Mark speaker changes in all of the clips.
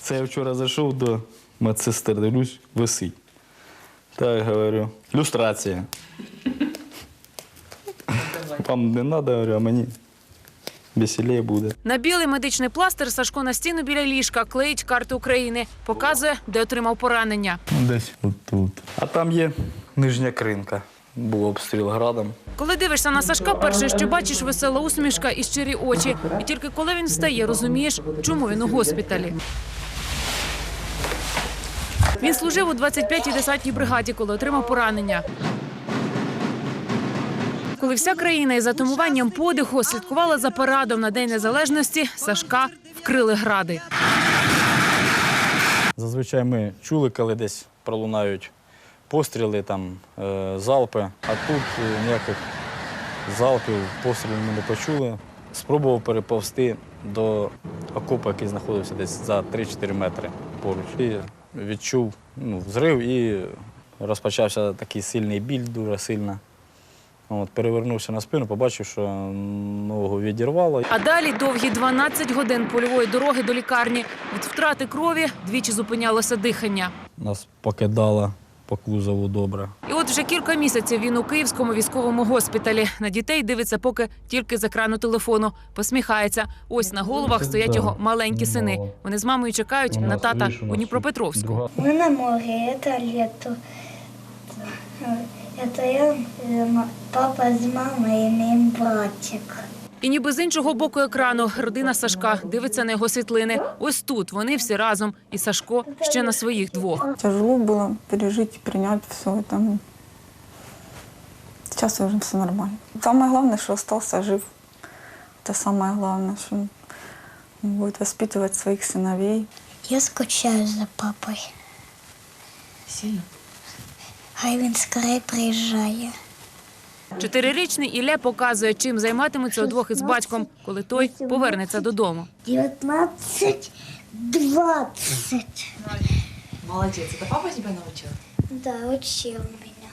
Speaker 1: Це я вчора зайшов до медсестер, дивлюсь, висить. Так, говорю, люстрація. Вам не треба, говорю, а мені веселіше буде.
Speaker 2: На білий медичний пластир Сашко на стіну біля ліжка клеїть карту України. Показує, де отримав поранення.
Speaker 1: Десь отут. А там є нижня кринка. Був обстріл градом.
Speaker 2: Коли дивишся на Сашка, перше, що бачиш, весела усмішка і щирі очі. І тільки коли він встає, розумієш, чому він у госпіталі. Він служив у 25-й десантній бригаді, коли отримав поранення. Коли вся країна із затумуванням подиху слідкувала за парадом на День Незалежності, Сашка вкрили гради.
Speaker 1: Зазвичай ми чули, коли десь пролунають постріли, там, залпи, а тут ніяких залпів, пострілів ми не почули. Спробував переповзти до окопу, який знаходився десь за 3-4 метри поруч. І відчув взрив і розпочався такий сильний біль, дуже сильно. Перевернувся на спину, побачив, що ногу відірвало.
Speaker 2: А далі довгі 12 годин польової дороги до лікарні. Від втрати крові двічі зупинялося дихання.
Speaker 1: Нас покидало по кузову добре.
Speaker 2: І от вже кілька місяців він у Київському військовому госпіталі. На дітей дивиться поки тільки з екрану телефону. Посміхається. Ось на головах стоять його маленькі сини. Вони з мамою чекають на тата у Дніпропетровську.
Speaker 3: Ми на морі, це літо. Це я, папа з мамою і мій братик.
Speaker 2: І ніби з іншого боку екрану родина Сашка дивиться на його світлини. Ось тут вони всі разом. І Сашко ще на своїх двох.
Speaker 4: Тяжело було пережити, прийняти все це. Зараз вже все нормально. Самое главное, що залишився жив. Це самое главное, що він буде воспитувати своїх синовей.
Speaker 3: Я скучаю за папою.
Speaker 2: Сильно?
Speaker 3: Хай він скорее приїжджає.
Speaker 2: 4-річний Ілля показує, чим займатимуться удвох із батьком, коли той повернеться додому.
Speaker 3: 19, 20.
Speaker 5: Молодец. Это папа тебя научил?
Speaker 3: Да, учил меня.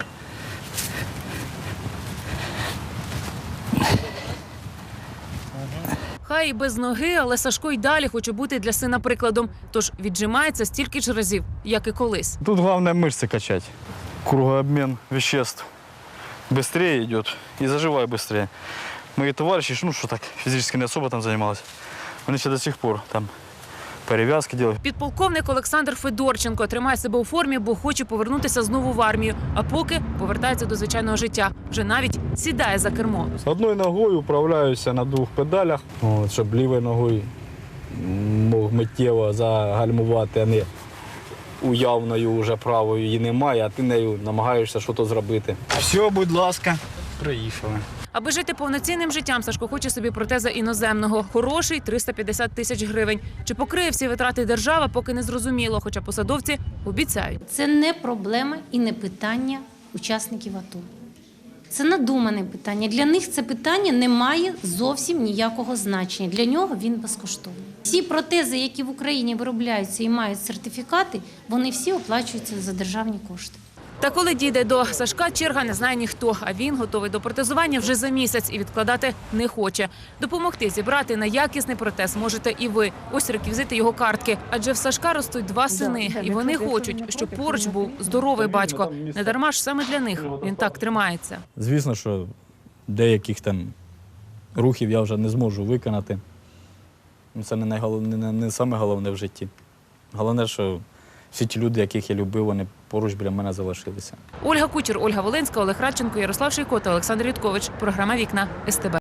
Speaker 2: Хай і без ноги, але Сашко й далі хоче бути для сина прикладом. Тож віджимається стільки ж разів, як і колись.
Speaker 1: Тут головне мишці качати. Кругообмін веществ швидше йде і заживає швидше. Мої товариші, що так, фізично не особо там займалися, вони ще до сих пор там перев'язки роблять.
Speaker 2: Підполковник Олександр Федорченко тримає себе у формі, бо хоче повернутися знову в армію. А поки повертається до звичайного життя. Вже навіть сідає за кермо.
Speaker 1: Одною ногою управляюся на 2 педалях, щоб лівою ногою мог миттєво загальмувати, а не уявною вже правою її немає, а ти нею намагаєшся щось зробити. Все, будь ласка, приїхали.
Speaker 2: Аби жити повноцінним життям, Сашко хоче собі протеза іноземного. Хороший – 350 тисяч гривень. Чи покриє всі витрати держава, поки не зрозуміло, хоча посадовці обіцяють.
Speaker 6: Це не проблема і не питання учасників АТО. Це надумане питання. Для них це питання не має зовсім ніякого значення. Для нього він безкоштовний. Всі протези, які в Україні виробляються і мають сертифікати, вони всі оплачуються за державні кошти.
Speaker 2: Та коли дійде до Сашка, черга не знає ніхто, а він готовий до протезування вже за місяць і відкладати не хоче. Допомогти зібрати на якісний протез можете і ви. Ось реквізити його картки. Адже в Сашка ростуть 2 сини, і вони хочуть, щоб поруч був здоровий батько. Недарма ж саме для них він так тримається.
Speaker 1: Звісно, що деяких там рухів я вже не зможу виконати. Це не саме головне в житті. Головне, що всі ті люди, яких я любив, вони поруч біля мене залишилися.
Speaker 2: Ольга Кучер, Ольга Волинська, Олег Радченко, Ярослав Шийко та Олександр Юткович. Програма «Вікна» СТБ.